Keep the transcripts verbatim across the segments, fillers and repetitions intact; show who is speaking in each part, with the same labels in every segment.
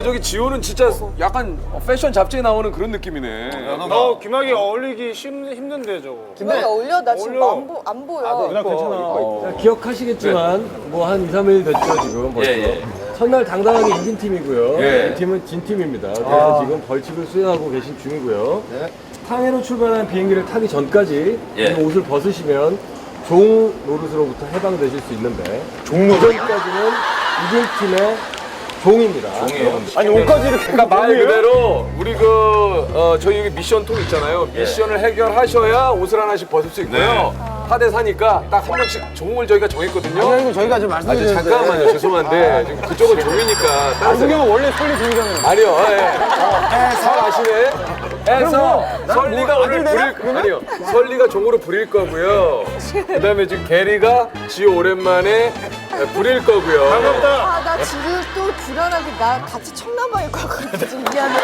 Speaker 1: 저기 지호는 진짜 약간 패션 잡지에 나오는 그런 느낌이네.
Speaker 2: 너 김학이 어울리기 힘, 힘든데 저거.
Speaker 3: 김학이 어울려? 나 지금
Speaker 2: 어울려.
Speaker 3: 안, 보, 안 보여.
Speaker 2: 누나 괜찮아.
Speaker 4: 자, 기억하시겠지만 뭐 한 이, 삼 일 됐죠 지금 벌써.
Speaker 1: 예, 예.
Speaker 4: 첫날 당당하게 이긴 팀이고요.
Speaker 1: 예.
Speaker 4: 이 팀은 진 팀입니다. 그래서 지금 벌칙을 수행하고 계신 중이고요. 상해로 출발한 비행기를 타기 전까지
Speaker 1: 예.
Speaker 4: 이 옷을 벗으시면 종 노릇으로부터 해방되실 수 있는데 종 노릇? 그전까지는 이긴 팀의 종입니다.
Speaker 1: 종이에요.
Speaker 2: 아니 옷까지 이렇게.
Speaker 1: 그러니까 말 그대로 우리 그 어, 저희 여기 미션 통 있잖아요. 미션을 해결하셔야 옷을 하나씩 벗을 수 있고요. 사 대 사니까 딱 한 명씩 종을 저희가 정했거든요.
Speaker 2: 이거 저희가 좀
Speaker 1: 아, 저
Speaker 2: 말씀드렸는데.
Speaker 1: 잠깐만요. 죄송한데 지금 그쪽은 종이니까. 다른
Speaker 2: 안승경은 원래 솔리 종이잖아요.
Speaker 1: 아니요. 예. 잘 아시네. 해서 설리가 오늘 부릴 아니요. 설리가 종으로 부릴 거고요. 그다음에 지금 게리가 지호 오랜만에 부릴 거고요.
Speaker 2: 반갑다.
Speaker 3: 아, 나 지금 또 불안하게 나 같이 청남방일 것 같거든. 미안해.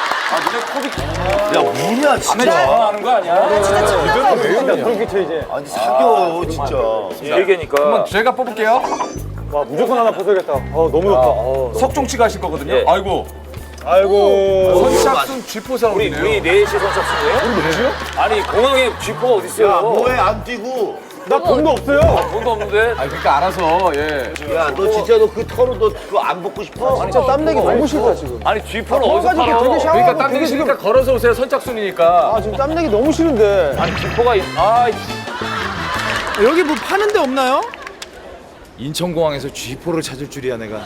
Speaker 5: 야 뭐냐 진짜.
Speaker 1: 하는 거 아니야?
Speaker 3: 나 진짜 청남방일 것 같아.
Speaker 2: 그렇게 쳐 이제.
Speaker 5: 아니 사겨 진짜.
Speaker 1: 일개니까. 한번 제가 뽑을게요.
Speaker 2: 와 무조건 하나 벗어야겠다. 어 너무 좋다.
Speaker 1: 석종치가 하실 거거든요. 아이고.
Speaker 2: 아이고.
Speaker 1: 선착순 쥐포 사업이네요.
Speaker 6: 우리 넷이 선착순이에요? 우리 넷이요? 아니 공항에 쥐포가 어디 있어요?
Speaker 5: 야 뭐해 안 뛰고.
Speaker 2: 나 돈도 없어요.
Speaker 6: 돈도 없는데.
Speaker 1: 아 그러니까 알아서 예.
Speaker 5: 야 너 진짜 너 그 털은 너 그거 안 벗고 싶어?
Speaker 2: 진짜 땀내기 너무 싫다 지금.
Speaker 6: 아니 쥐포는 어디서
Speaker 2: 가지고
Speaker 6: 팔아?
Speaker 2: 되게 샤워.
Speaker 1: 그러니까 땀 내기 싫으니까 걸어서 오세요. 선착순이니까.
Speaker 2: 아 지금 땀내기 너무 싫은데.
Speaker 6: 아니 쥐포가 있- 아
Speaker 7: 여기 뭐 파는 데 없나요?
Speaker 8: 인천공항에서 쥐포를 찾을 줄이야 내가.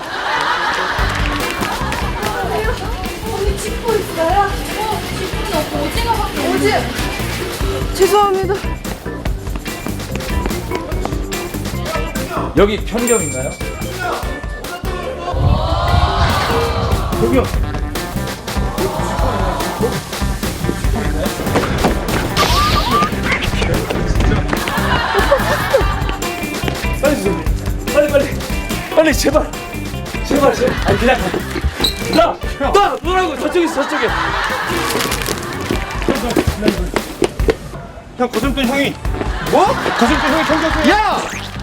Speaker 9: 언니 쥐포 있어요? 어, 쥐포는 없고 오징어밖에 없어.
Speaker 3: 오지? 죄송합니다.
Speaker 8: 여기 편의점 있나요?
Speaker 6: 빨리 빨리 빨리 제발 제발 제발 아니 그냥 나나 뭐라고 저쪽에 있어 저쪽에
Speaker 2: 형 거슴돈 형이. 뭐? 거슴돈 형이 청소했어. 야!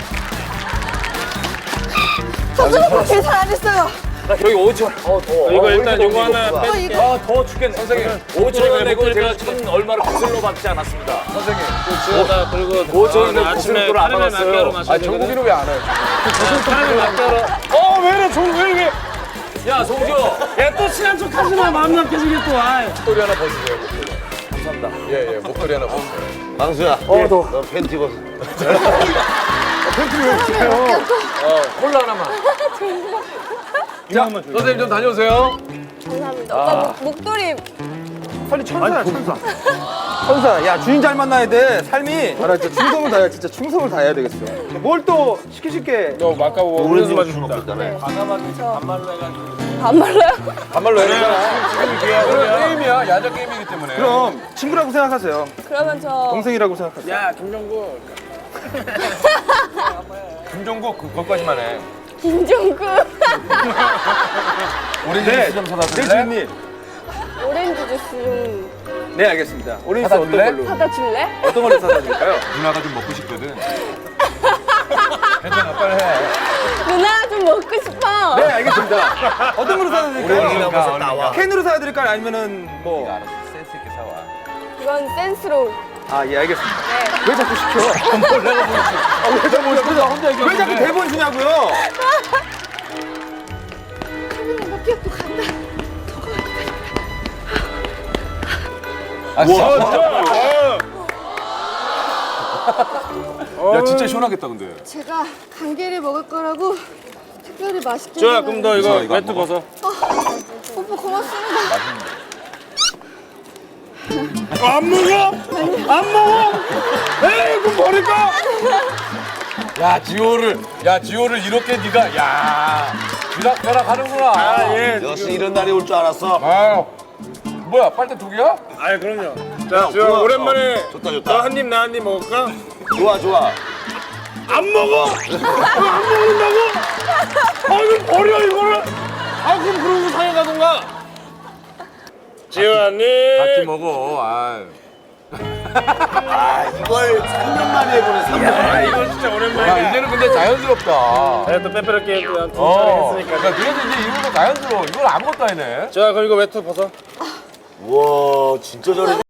Speaker 3: 선생님 계산 안 했어요.
Speaker 6: 나 여기 오천 어 더워
Speaker 2: 이거 일단 요거 하나
Speaker 3: 어,
Speaker 2: 빼.
Speaker 3: 이거.
Speaker 6: 아 더워 죽겠네 선생님 오천 원 내고 제가 천 얼마를 거슬러 받지 않았습니다 선생님
Speaker 2: 나 그리고
Speaker 6: 오천 원 거슬러를 안 받았어요
Speaker 1: 아 정국이는 왜 안 와요?
Speaker 2: 사람이 맞다라. 어 왜래 종왜 이게?
Speaker 6: 야 송지호
Speaker 2: 야또 친한 척 하지 마. 마음 나쁘시게 또. 아.
Speaker 1: 목도리 하나 벗으세요. 목도리. 감사합니다. 예예 목도리 하나 벗으세요.
Speaker 5: 망수야. 어 너. 너 팬티 벗어.
Speaker 1: 어 콜라 하나만. 자 선생님 좀 다녀오세요.
Speaker 3: 감사합니다. 오빠 목, 목도리.
Speaker 7: 빨리 천사야 천사. 천사. 야 주인 잘 만나야 돼. 삶이. 알아 진짜 충성을 다해. 진짜 충성을 다해야 되겠어. 뭘 또 시키실 게.
Speaker 2: 너 아까워.
Speaker 5: 오렌지
Speaker 2: 오렌지
Speaker 5: 술
Speaker 2: 맞습니다.
Speaker 5: 먹겠다며.
Speaker 3: 반말로요?
Speaker 1: 반말로 해야 되잖아. 지금 게임이야. 야자 게임이기 때문에.
Speaker 7: 그럼 친구라고 생각하세요.
Speaker 3: 그러면 저.
Speaker 7: 동생이라고 생각하세요.
Speaker 2: 야 김정국.
Speaker 1: 김종국 그 거기까지만 해.
Speaker 3: 김종국.
Speaker 1: 오렌지 주스 좀 사다
Speaker 7: 네
Speaker 1: 줄래?
Speaker 7: 주인님.
Speaker 3: 오렌지 주스 좀
Speaker 7: 네 알겠습니다. 오렌지
Speaker 1: 사다
Speaker 7: 어떤
Speaker 1: 줄래?
Speaker 7: 걸로?
Speaker 3: 사다 줄래?
Speaker 7: 어떤 걸로 사다 드릴까요?
Speaker 1: 누나가 좀 먹고 싶거든. 괜찮아 빨리 해.
Speaker 3: 누나 좀 먹고 싶어.
Speaker 7: 네 알겠습니다. 어떤 걸로 사다 드릴까요?
Speaker 1: 오렌지나 벗어 나와.
Speaker 7: 캔으로 사다 드릴까요? 아니면은 뭐?
Speaker 1: 알았어 센스 있게 사와.
Speaker 3: 이건 센스로.
Speaker 7: 아 예 알겠습니다.
Speaker 3: 네.
Speaker 7: 왜 자꾸 시켜? 뭘 내가 뭐 아, 왜 자꾸 혼자 혼자 왜 자꾸 대본 주냐고요?
Speaker 3: 카메라 나 피하고 간다.
Speaker 1: 아 진짜. 야 진짜 시원하겠다 근데.
Speaker 3: 제가 감기를 먹을 거라고 특별히 맛있게.
Speaker 2: 좋아 그럼 너 이거
Speaker 1: 이거
Speaker 2: 매트
Speaker 1: 먹어.
Speaker 2: 벗어.
Speaker 3: 오빠 고맙습니다.
Speaker 2: 안 먹어? 안 먹어? 에이 그럼 버릴까?
Speaker 1: 야 지호를 야 지호를 이렇게 네가 야 벼락벼락 하는구나.
Speaker 2: 아 예.
Speaker 5: 역시 이런 날이 올 줄 알았어.
Speaker 1: 아 뭐야 빨대 두 개야?
Speaker 2: 아 그럼요. 자, 저
Speaker 5: 좋아.
Speaker 2: 오랜만에
Speaker 5: 어, 좋다, 좋다.
Speaker 2: 너 한 입 나 한 입 먹을까?
Speaker 5: 좋아 좋아.
Speaker 2: 안 먹어? 안 먹는다고? 아 이거 버려 이거를? 아 그럼 그러고 상해 가던가. 지호님.
Speaker 1: 같이 먹어. 아.
Speaker 5: 아 이걸 삼 년 만에 해보네 삼 년
Speaker 2: 아
Speaker 5: 만에.
Speaker 2: 이건 진짜
Speaker 1: 야,
Speaker 2: 오랜만이야.
Speaker 1: 이제는 근데 자연스럽다.
Speaker 2: 제가 또 빼빼로 게임 또한 두
Speaker 1: 어.
Speaker 2: 차례 했으니까.
Speaker 1: 그러니까 너희들 이제 이런 거 자연스러워. 이걸 아무것도 아니네.
Speaker 2: 자 그럼 이거 외투 벗어.
Speaker 5: 우와 진짜 잘해.